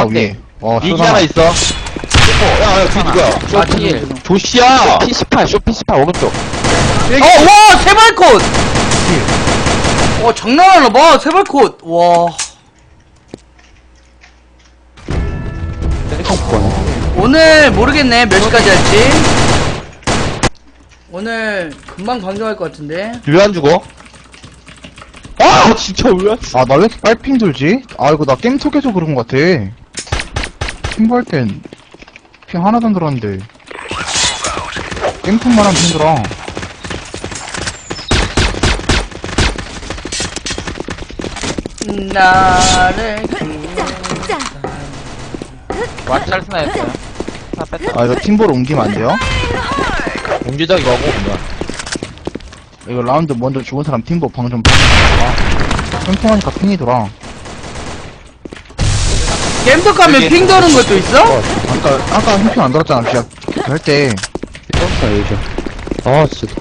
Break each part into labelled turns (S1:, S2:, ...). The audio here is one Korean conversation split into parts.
S1: 있다 위에.
S2: 이기 하나 있어. 야, 뒤 누구야?
S3: 마틴.
S2: 조시야!
S3: P18, 쇼 P18 오른쪽.
S4: 와, 세발콧! 와, 장난하나 봐, 세발콧. 와. 오늘 모르겠네, 몇 시까지 할지. 오늘 금방 방송할 것 같은데.
S2: 왜 안 죽어? 아, 진짜 왜 안 죽어?
S1: 아, 나 왜 이렇게 빨핑 돌지? 아, 이거 나 게임 속에서 그런 것 같아. 팀볼 땐 핑 하나도 안 들었는데. 게임 통만 하면 힘들어.
S4: 나를
S3: 완전 잘 스나였어요. 다 뺐다.
S1: 아, 이거 팀볼 옮기면 안 돼요?
S2: 공개적 이거 하고, 그냥.
S1: 이거 라운드 먼저 죽은 사람 팀볼 방좀 아, 팽팽하니까 핑이 돌아.
S4: 겜덕 가면
S2: 여기.
S4: 핑 도는 것도 있어?
S1: 아까 핑안 돌았잖아, 시작 할 때.
S3: 떴어, 요즘. 아, 진짜.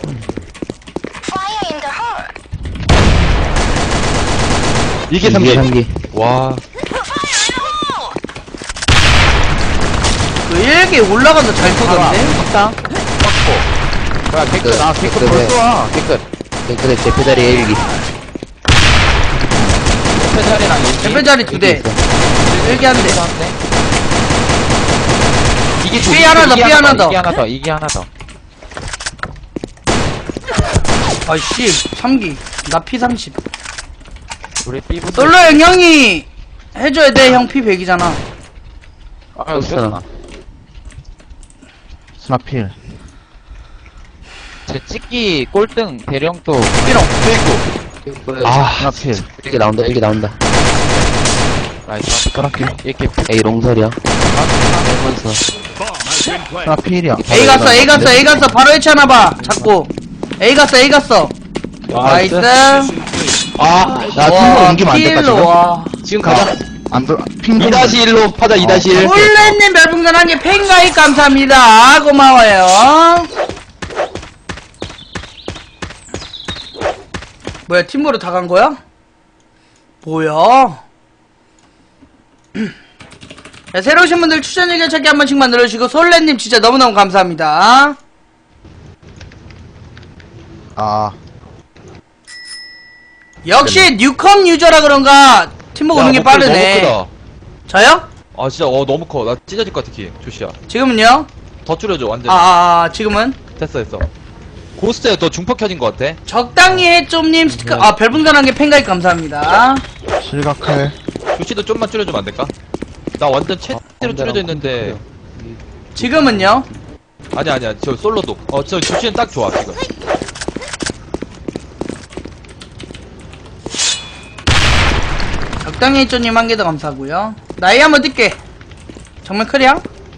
S2: 이게 3개. 와.
S4: 그 일기 올라가서 잘 쏘던데?
S3: 확당. 확보. 야, 개끝. 아, 개끝 벌써 와. 개끝. 개끝에 제페다리 1기. 제페다리랑 1기.
S4: 제페다리 2대. 일기 한 대.
S3: 이게
S4: 삐 하나 더, 삐 하나 더.
S3: 이게 하나 더, 이게 하나 더.
S4: 아이씨, 3기. 나 P30.
S3: 우리 B부터.
S4: 솔로 형, 형이 해줘야 돼. 형 P100이잖아.
S3: 아, 웃겼나.
S1: 스나필.
S3: 제 찍기 꼴등 대령도
S4: 삐롱.
S1: 아, 스나필.
S5: 일기 나온다, 일기 나온다.
S3: 나이스.
S1: 스나필.
S3: 이렇게
S5: 에이, 롱설이야. 하면서.
S1: 스나필이야.
S4: A 갔어, A 갔어, A 갔어. 바로 해치하나봐. 잡고. A 갔어, A 갔어. 나이스.
S2: 아,
S1: 나 팀볼 옮기면 안 될까,
S4: 필로,
S1: 지금?
S4: 와.
S2: 지금 가자.
S1: 안 돌, 핑
S2: 2-1로 파자, 2-1.
S4: 홀레님 별풍선 한개 팬가입 감사합니다. 고마워요. 뭐야, 팀으로 다 간 거야? 뭐야? 자, 새로 오신 분들 추천 의견 찾기 한 번씩만 눌러주시고, 솔레님 진짜 너무너무 감사합니다.
S1: 아,
S4: 역시 뉴컴 유저라 그런가 팀복 오는 게 빠르네.
S2: 너무
S4: 저요?
S2: 크다. 아, 진짜, 너무 커. 나 찢어질 것 같아, 키. 조시야.
S4: 지금은요?
S2: 더 줄여줘, 완전.
S4: 지금은?
S2: 됐어. 고스트에 더 중폭 켜진 것 같아.
S4: 적당히 해, 좀님 스티커, 별풍선 한 개 팬가입 감사합니다.
S1: 실각해.
S2: 조시도 좀만 줄여주면 안 될까? 나 완전 최대로 줄여져 있는데.
S4: 지금은요?
S2: 아니야. 저 솔로도. 저 조시는 딱 좋아, 지금.
S4: 적당히 해, 좀님 한 개 더 감사하고요. 나이 한번 뛸게. 정말 크리야?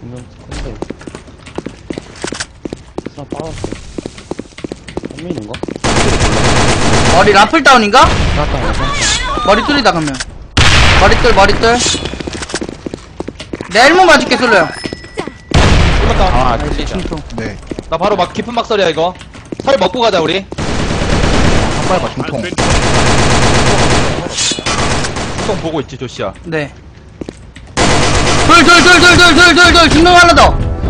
S5: 스나 빠졌어. 한민인가?
S4: 머리 라플 다운인가?
S5: 스나다,
S4: 머리 뚫리다 그러면. 머리뚫. 내 1문 맞을게, 솔로요.
S2: 끝났다.
S4: 충통.
S1: 네.
S2: 나 바로 막 깊은 막설이야, 이거. 설 먹고 가자, 우리.
S1: 빨봐, 중통.
S2: 수동 보고 있지, 조시야.
S4: 네. 둘, 중동 하나 더.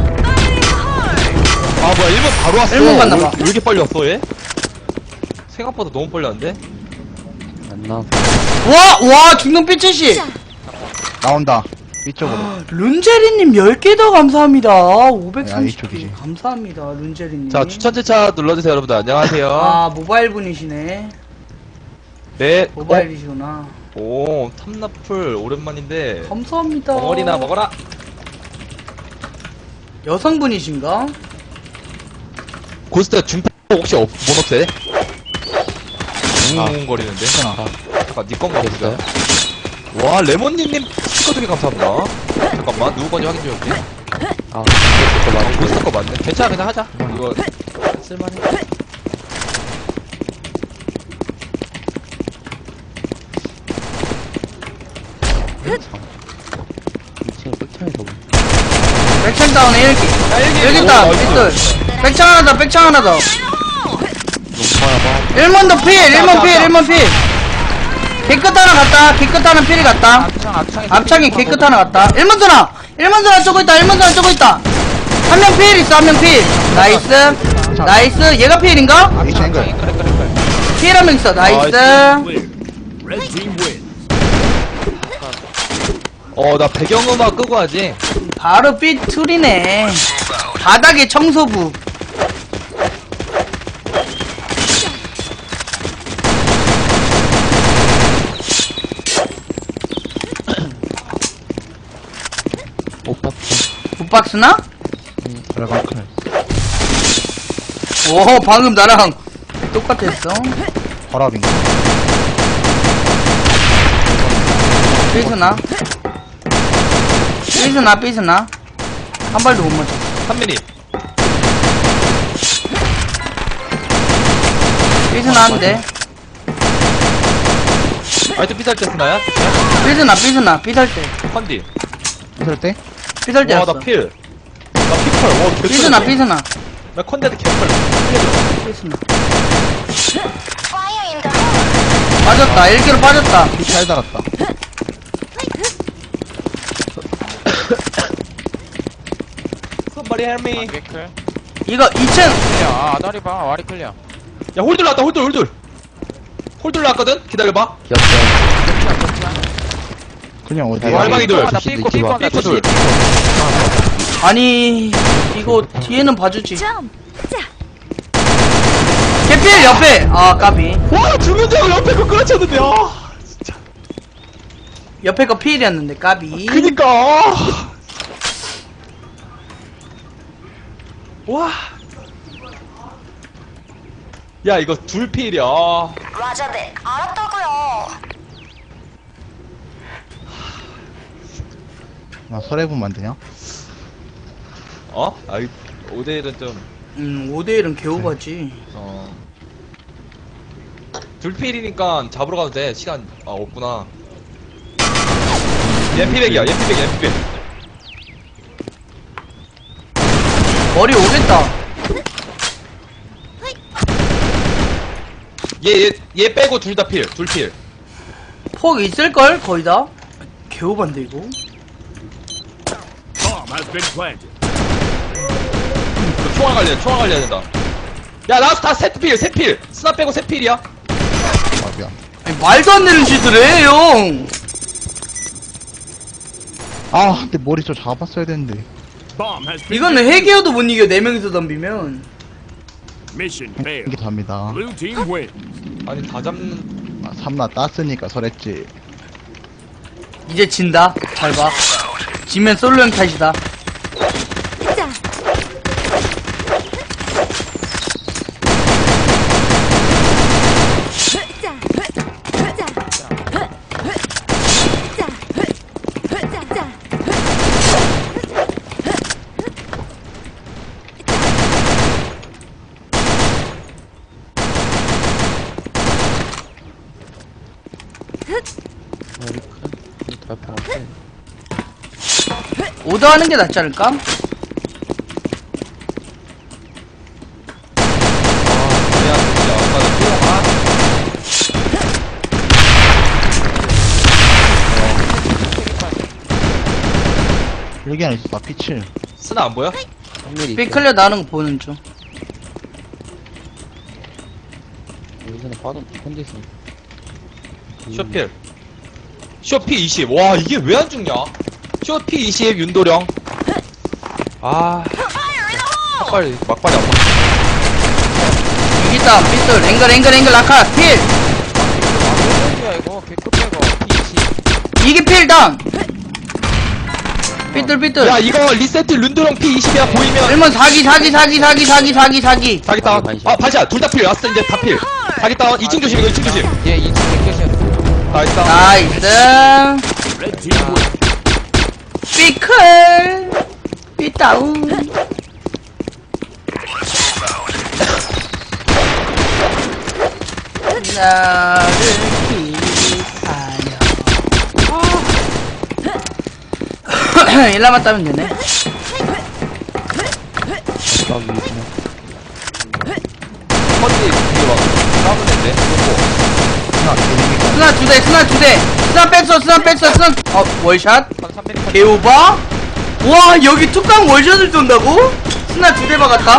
S2: 아, 뭐야, 1번 바로 왔어.
S4: 일본 갔나 봐.
S2: 왜 이렇게 빨리 왔어, 얘? 생각보다 너무 빨리 왔는데?
S5: 안 나와.
S4: 와, 중동 삐치시.
S1: 나온다. 이쪽으로.
S4: 룬제리님 10개 더 감사합니다.
S1: 야,
S4: 530개.
S1: 이쪽이지.
S4: 감사합니다, 룬제리님.
S2: 자, 추천제차 눌러주세요, 여러분들. 안녕하세요.
S4: 모바일 분이시네.
S2: 네.
S4: 모바일이시구나.
S2: 오, 탐나풀 오랜만인데.
S4: 감사합니다.
S2: 덩어리나 먹어라.
S4: 여성분이신가?
S2: 고스트 중폭 혹시 못 없애? 웅웅거리는데. 잠깐, 니꺼 먹었어요? 와, 레몬님님 스티커 두개 감사합니다. 잠깐만, 누구 건지 확인 좀 해볼게.
S5: 아,
S2: 고스트 거 맞네. 괜찮아, 그냥 하자. 이거, 쓸만해.
S5: 지금 끝창에서 뭐.
S4: 백창 다운에 1기. 1기 다운, 삐뚤. 백창 하나 더.
S5: 농파야 봐.
S4: 1문 더 필. 개끝 하나 갔다. 개끝 하나 필이 갔다. 앞창에 개끝 하나 갔다. 1번 전화! 1번 전화 쪼고 있다, 1번 전화 쪼고 있다. 한 명 필 있어, 한 명 필. 나이스. 나이스. 얘가 필인가?
S1: H 앵글.
S4: 필 한 명 있어, 나이스.
S2: 나 배경음악 끄고 하지.
S4: 바로 삐툴이네. 바닥에 청소부. 굿박스나?
S1: 드래곤 클.
S4: 오, 방금 나랑 똑같았어.
S1: 허랍인가?
S4: 삐스나? 삐스나, 삐스나? 한 발도 못 맞췄어.
S2: 3mm.
S4: 삐스나 한대.
S2: 아이트 피살 때 쓰나야?
S4: 삐스나, 삐스나, 삐살 때.
S2: 컨디.
S1: 이럴 때?
S4: 삐살
S2: 와,
S4: 때였어.
S2: 나 필. 나 피컬. 와, 개
S4: 삐스나,
S2: 털렸네.
S4: 삐스나.
S2: 나 컨데드 개털. 살려줘.
S4: 삐스나. 빠졌다, 1기로 빠졌다.
S1: 피 잘 달았다.
S2: Somebody help me.
S5: 개클.
S4: 이거 2층.
S5: 클리어. 아다리 봐. 와리 클리어.
S2: 야, 홀들 나왔다, 홀들. 홀들 나왔거든? 기다려봐.
S1: 그냥 어디야?
S2: 와, 알방이 둘.
S5: 나 삐고 삐고
S2: 삐고 둘.
S4: 아니, 이거 뒤에는 봐주지. 개필 옆에. 아, 까비.
S2: 와, 죽는 줄 알고 옆에 거 끌어쳤는데, 아.
S4: 옆에 거 필이었는데, 까비.
S2: 그니까. 와. 야, 이거 둘 필이야.
S6: 라자, 네, 알았다고요.
S1: 나 설해분 만드냐?
S2: 어? 아이, 5대1은 좀,
S4: 5대1은 개오바지.
S2: 둘 필이니까 잡으러 가도 돼. 시간, 없구나. 얘 피백이야, 얘 피백.
S4: 머리 오겠다.
S2: 얘 빼고 둘 다 필, 둘 필.
S4: 폭 있을걸? 거의 다? 개오반데, 이거?
S2: 총알 관리해야 된다. 야, 나와서 다 셋 필. 스나 빼고 셋 필이야.
S1: 아, 미안.
S4: 아니, 말도 안 되는 짓을 해, 형!
S1: 아, 근데 머리 좀 잡았어야 되는데.
S4: 이거는 해기어도 못 이겨, 4명이서 덤비면.
S7: Mission failed.
S1: 이게 답니다.
S7: Blue team win.
S2: 아니, 다 잡는.
S1: 아, 3나 땄으니까 설했지.
S4: 이제 진다. 잘 봐. 지면 솔로 형 탓이다.
S5: 와리 클. 다 봐야
S4: 오더 하는 게 낫지 않을까?
S2: 야, 진짜. 아까 나 뛰어가.
S1: 여기 안에 있어. 나 피칠.
S2: 스나 안 보여?
S5: 3mm.
S4: 삐클려 나오는 거 보는 중.
S5: 여기서는 빠른 컨디션.
S2: 쇼필. 쇼피 20. 와, 이게 왜 안 죽냐? 쇼피 20, 윤도령. 아. 막발이 안 맞네.
S4: 이기다, 삐뚤, 앵글, 라카, 필!
S5: 야 이거 개급 빼고. 20.
S4: 이게 필, 다운! 삐뚤.
S2: 야, 이거 리세트 윤도령 피 20이야, 보이면.
S4: 1번 사기.
S2: 자기 다운. 반샷. 둘 다 필. 왔어, 이제 다 필. 자기 다운. 2층 조심, 이거 2층 조심.
S5: 얘 2층 개끝이야.
S2: 다 했다.
S4: 나이스.
S7: Red team win.
S4: 삐클. 삐다운. 나를 기다려. 1 남았다면 되네.
S2: 컨디, 이거 막, 싸우는 애인데.
S1: 하나, 개인기
S4: 스나 2대. 스나 뺐어 스나 월샷
S5: 한 3mm
S4: 개오바 와 여기 툭강 월샷을 쏜다고? 스나 2대 박았다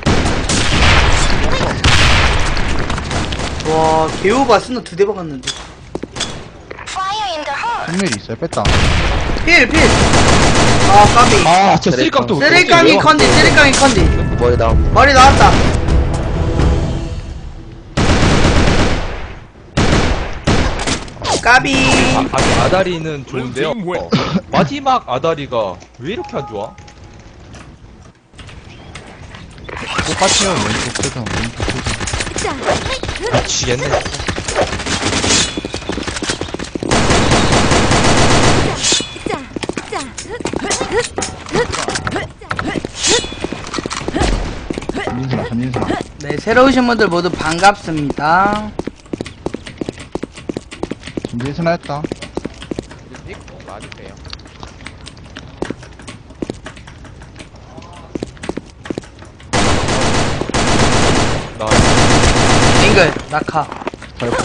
S4: 와 개오바 스나 2대 박았는데
S6: Fire in the hole.
S1: 한밀이 있어요. 뺐다.
S4: 필 아 까비
S2: 아, 저 쓰리깡도
S4: 쓰리깡이 컨디
S3: 머리 다운.
S4: 머리 나왔다 까비
S2: 아다리는 좋은데요. 마지막 아다리가 왜 이렇게 안 좋아?
S1: 똑같아요. 왼쪽 세상, 왼쪽 세상.
S2: 미치겠네.
S1: 전진수나.
S4: 네 새로 오신 분들 모두 반갑습니다
S1: 전진수나 했다.
S5: 맞으세요.
S2: 나
S4: 앵글 낙하
S1: 발포.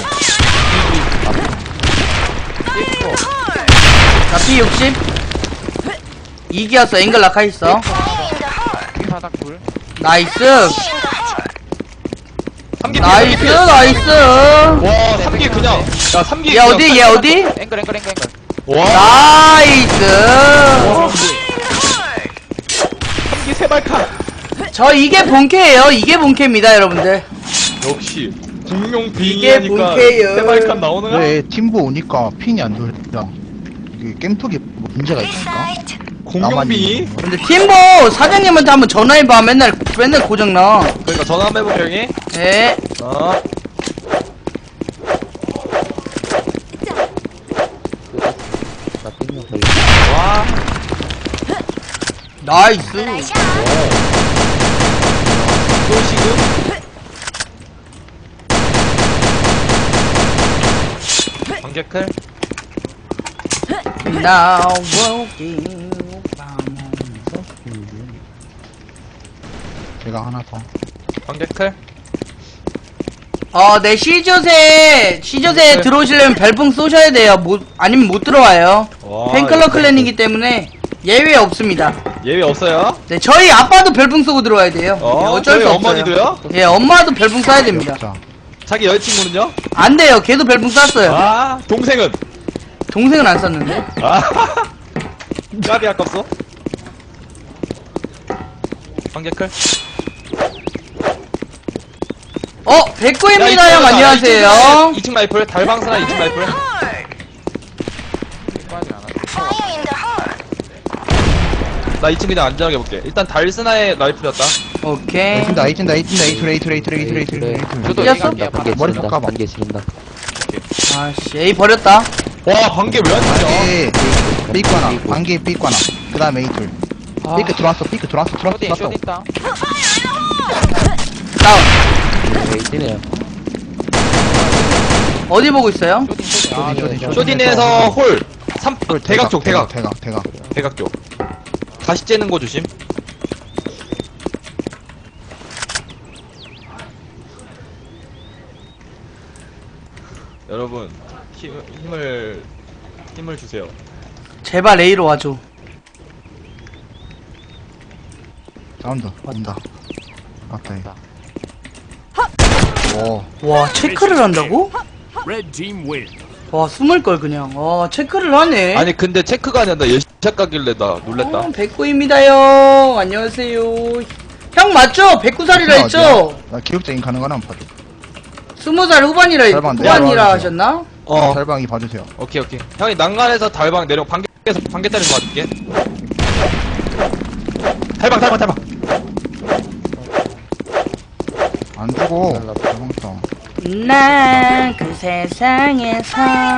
S4: 나 P60 2기였어 앵글 낙하 있어
S5: 바닥 불.
S4: 나이스
S2: 3기
S4: 나이스 나이스
S2: 와, 3기 그냥. 야, 3기.
S4: 얘 어디 얘 어디
S5: 앵글.
S2: 와,
S4: 나이스
S2: 3기 세발칸.
S4: 저 이게 본캐예요 이게 본캐입니다 여러분들
S2: 역시. 공룡
S4: 이게
S2: 빙의하니까
S4: 본캐예요.
S2: 세발칸 나오는 거야?
S1: 왜 팀보 오니까 핑이 안 돌려? 이게 게임톡에 뭐 문제가 있으니까?
S2: 공룡 빙의?
S4: 근데 팀보 사장님한테 한번 전화해봐 맨날 고장나
S2: 그러니까 전화 한번 해볼게, 형이.
S4: 예
S2: 어.
S3: 나 삐명 거의.
S2: 와.
S4: 나이스
S2: 또 지금? 관객클?
S4: Now walking
S1: 제가 하나 더.
S2: 관객클?
S4: 네 시저세 들어오시려면 별풍 쏘셔야 돼요 아니면 못 들어와요
S2: 와,
S4: 팬클럽 클랜이기 때문에 예외 없습니다
S2: 예외 없어요?
S4: 네 저희 아빠도 별풍 쏘고 들어와야 돼요 네, 어쩔
S2: 저희
S4: 수 없어요
S2: 어머니도요?
S4: 예 엄마도 별풍 쏴야 됩니다
S1: 자,
S2: 자기 여자친구는요?
S4: 안 돼요 걔도 별풍 쐈어요
S2: 아, 동생은?
S4: 동생은 안 쐈는데
S2: 아, 까비 아깝소? 관객클?
S4: 백구입니다 형 안녕하세요
S2: 2층 라이플, 달방스나 2층 라이플.
S6: Fire in the hole.
S2: 나 2층 그냥 안전하게 볼게. 일단 달스나의 라이플이었다.
S4: 오케이
S1: 에이튼다, 에이툴.
S5: 저도
S4: 이겼어?
S5: 얘기할게요.
S3: 반개
S1: 머리
S3: 지른다.
S1: 깎아봐.
S3: 반개 지른다.
S4: 아씨 A 버렸다
S2: 와, 관계 왜 안 되냐?
S1: 반개, 삐꾸 하나. 반개, 삐꾸 하나. 그 다음에 에이툴. 삐크 들어왔어.
S5: 쇼딘 다운.
S4: 다운
S3: 왜 이때네요.
S4: 어디 보고 있어요?
S1: 쇼딘.
S2: 쇼딘에서 홀.
S1: 홀,
S2: 대각 쪽, 대각.
S1: 대각.
S2: 쪽. 다시 째는 거 조심. 여러분, 힘을 주세요.
S4: 제발 A로 와줘
S1: 사운드, 온다. 맞다, 오,
S4: 와 체크를 한다고?
S7: Red team win.
S4: 와 숨을걸 그냥 체크를 하네
S2: 아니, 근데 체크가 아니라 나 예샷 가길래 나 놀랬다.
S4: 백구입니다 형 안녕하세요 형 맞죠? 109살이라 했죠?
S1: 나 기억적인 가능한 한번 봐줘.
S4: 20살 후반이라
S1: 닮았네.
S4: 후반이라 하셨나?
S1: 달방이 봐주세요.
S2: 오케이. 형이 난간에서 달방 내려, 반개짜리에서 봐줄게. 달방.
S1: 안 주고, 달방 싸.
S4: 난 그 세상에서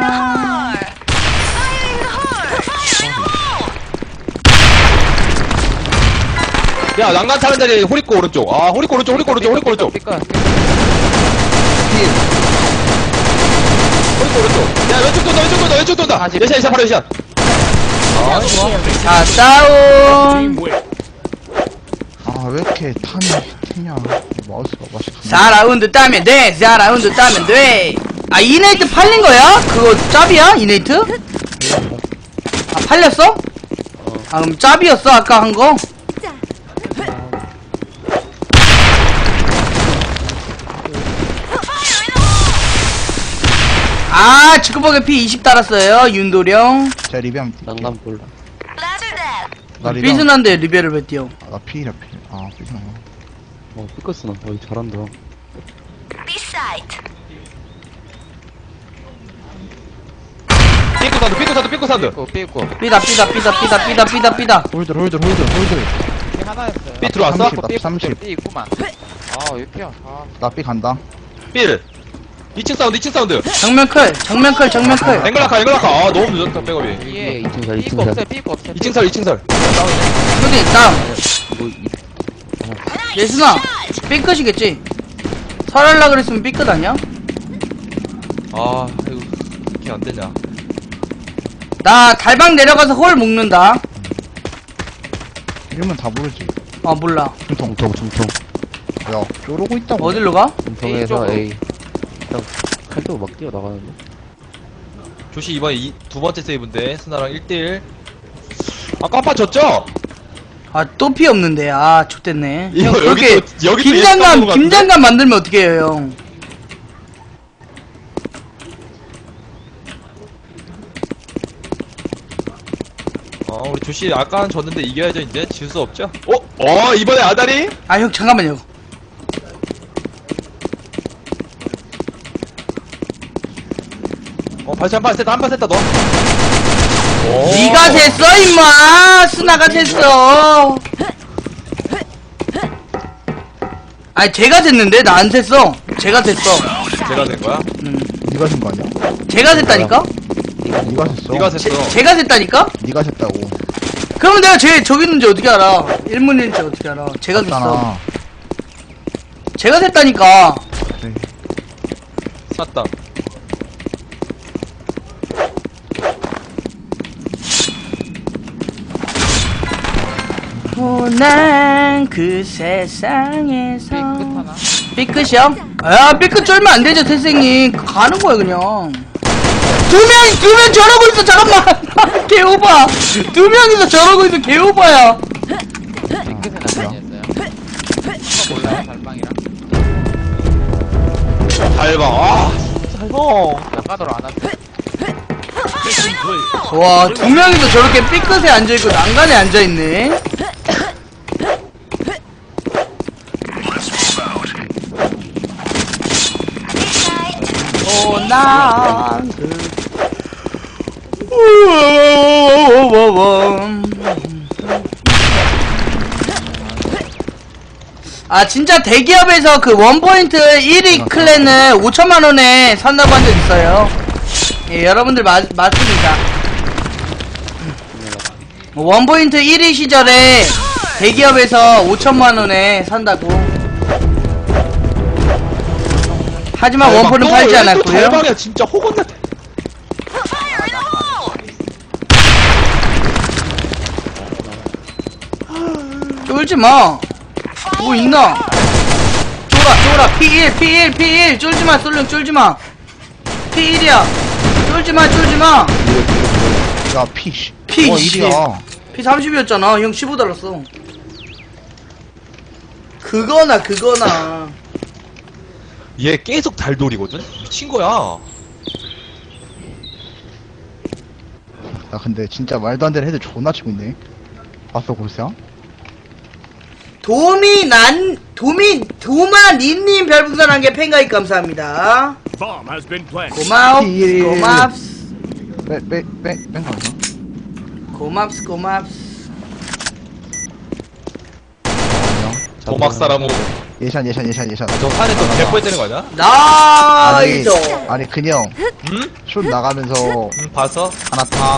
S2: 야, 난간 타는 자리 호리꼬 오른쪽. 아, 호리꼬 오른쪽.
S5: 삐끗.
S2: 호리꼬 오른쪽. 야, 왼쪽 돈다. 예샷, 바로 예샷.
S4: 자 다운
S7: Team win.
S1: 아, 왜 이렇게 튀냐. 마우스가 맛있어.
S4: 4라운드 따면 돼 4라운드 따면 돼 아 이네이트 팔린 거야? 그거 짭이야? 이네이트? 아 팔렸어? 아 그럼 짭이었어 아까 한 거? 아 지크버게 피 20 달았어요 윤도령.
S1: 제가 리뷰하면
S3: 난감 몰라.
S6: Laser dead.
S1: 나 리뷰
S4: 삐순한데 리베를 왜 띄워?
S1: 나 피이라 피. 아 삐스나.
S3: 삐끗으나. 잘한다.
S6: B site.
S2: 삐꾸 사운드.
S5: 삐고.
S4: 삐다
S1: 홀들.
S5: 삐 하나였어요.
S2: 삐 들어왔어?
S1: 30, 나 30.
S5: 삐 있구만. 아, 왜 이렇게 아,
S1: 나 삐 간다.
S2: 삐를. 2층 사운드.
S4: 정면클
S2: 앵글라카. 아, 너무 늦었다, 백업이.
S5: 이게
S3: 2층 살, 2층
S5: 삐고
S3: 살.
S5: 없어요. 삐고 없어요.
S2: 2층 살.
S4: 쇼딩 다운.
S3: 뭐,
S4: 예순아 삐끗이겠지? 설할라 그랬으면 삐끗 아니야?
S2: 아, 이거, 이렇게 안 되냐.
S4: 나 달방 내려가서 홀 묶는다.
S1: 이러면 다 모르지.
S4: 아 몰라.
S3: 중통.
S1: 야, 쪼르고 있다고.
S4: 어디로 가?
S3: 중통에서
S5: 쪽으로.
S3: A. 그냥 칼도 막 뛰어나가는데.
S2: 조시 이번에 두 번째 세이브인데, 스나랑 1대1. 아, 깜빡 졌죠?
S4: 아 또 피 없는데 아 좆됐네.
S2: 이거
S4: 형
S2: 여기
S4: 그렇게
S2: 또- 여기 또 예측하는 것 같은데?
S4: 김장감 만들면 어떻게 해요 형?
S2: 우리 조시 아까는 졌는데 이겨야죠, 이제. 질 수 없죠? 이번에 아다리?
S4: 아 형 잠깐만요.
S2: 발사 한발 셌다, 너.
S4: 니가 셌어 임마. 스나가 셌어. 아니 제가 셌는데 나 안 셌어. 제가 셌어.
S2: 제가 된 거야?
S1: 네가 쓴 거 아니야?
S4: 제가 셌다니까?
S1: 네가 셌어.
S2: 네가 셌어.
S4: 제가 셌다니까?
S1: 네가 셌다고.
S4: 그러면 내가 저기 있는지 어떻게 알아? 1문인지 어떻게 알아? 제가 셌어.
S1: 맞잖아.
S4: 제가 셌다니까.
S1: 그래.
S2: 쐈다.
S4: 난 그 세상에서
S5: 삐끗 하나.
S4: 삐끗이요? 아 삐끗 쫄면 안 되죠 태생님. 가는 거야 그냥. 두 명 저러고 있어. 잠깐만. 개오바. 두 명이서 저러고 있어. 개오바야.
S5: 삐끗은 아니었어요. 이거 몰라요? 달방이랑.
S2: 달방. 달방.
S5: 나가도록 안 왔어요.
S7: Mission clear.
S4: 와, 두 명이서 저렇게 삐끗에 앉아있고 난간에 앉아있네. 난 아 진짜 대기업에서 그 원포인트 1위 클랜을 5천만원에 산다고 한 적 있어요. 예, 여러분들 맞습니다. 원포인트 1위 시절에 대기업에서 5천만원에 산다고. 하지만 원포는 팔지 않았고요.
S2: 달방이야, 진짜 호건나.
S4: 쫄지마. 뭐 있나? 쫄아. P1. 쫄지마, 쏠룡 쫄지마. P1이야. 쫄지마.
S1: 야, 피. 씨.
S4: 피,
S1: 어,
S4: 씨.
S1: 1이야.
S4: P30이었잖아. 형 15 달랐어. 그거나.
S2: 얘 계속 달돌이거든? 미친 거야.
S1: 야, 근데 진짜 말도 안 되는 애들 존나 치고 있네. 봤어, 골스야? 도마니님 별풍선 한 개 팬가입 감사합니다.
S7: Bomb has been planted.
S4: 고맙스.
S1: 뺑 가자.
S4: 고맙스.
S2: 도막 사람으로.
S1: 예산.
S2: 저 산에 또 개뽀에 되는 거 아니야?
S4: 나이스.
S1: 아니, 그냥,
S2: 응?
S1: 슛 나가면서,
S2: 봐서?
S1: 하나 타,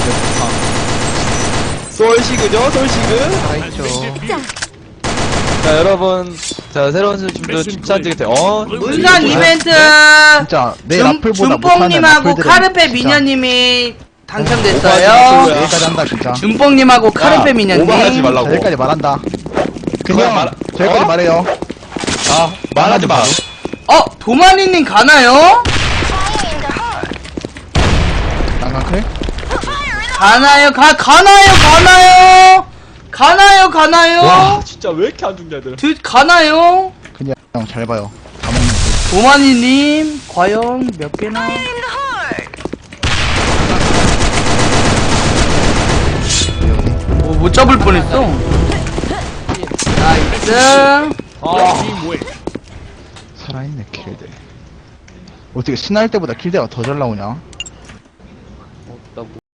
S2: 솔시그죠? 솔시그?
S1: 살아있죠.
S2: 자, 여러분. 자, 새로운 분들 추천드릴게요.
S4: 문산 이벤트.
S1: 진짜, 내 라플보다 못하는
S4: 준뽕님하고
S1: 라플들은
S4: 카르페
S1: 진짜
S4: 미녀님이
S2: 오버하지
S4: 당첨됐어요.
S2: 마세요.
S1: 여기까지 한다, 진짜.
S4: 준뽕님하고 카르페
S2: 오버하지
S4: 미녀님.
S2: 말라고.
S1: 자, 여기까지 말한다.
S2: 그냥
S1: 그냥,
S2: 말-
S1: 저기까지
S2: 어?
S1: 말해요.
S2: 말하지 마.
S4: 도마니님 가나요?
S1: 하나 클?
S4: 가나요? 가나요?
S2: 와, 진짜 왜 이렇게 안 죽냐, 애들.
S4: 가나요?
S1: 그냥 잘 봐요. 다 먹는 거.
S4: 오마니님, 과연 몇 개나?
S6: In the hole.
S1: 여기.
S4: 오, 못 잡을 뻔했어. 나이스.
S7: Team win.
S1: 살아있네, 킬대. 어떻게 신할 때보다 킬대가 더 잘 나오냐?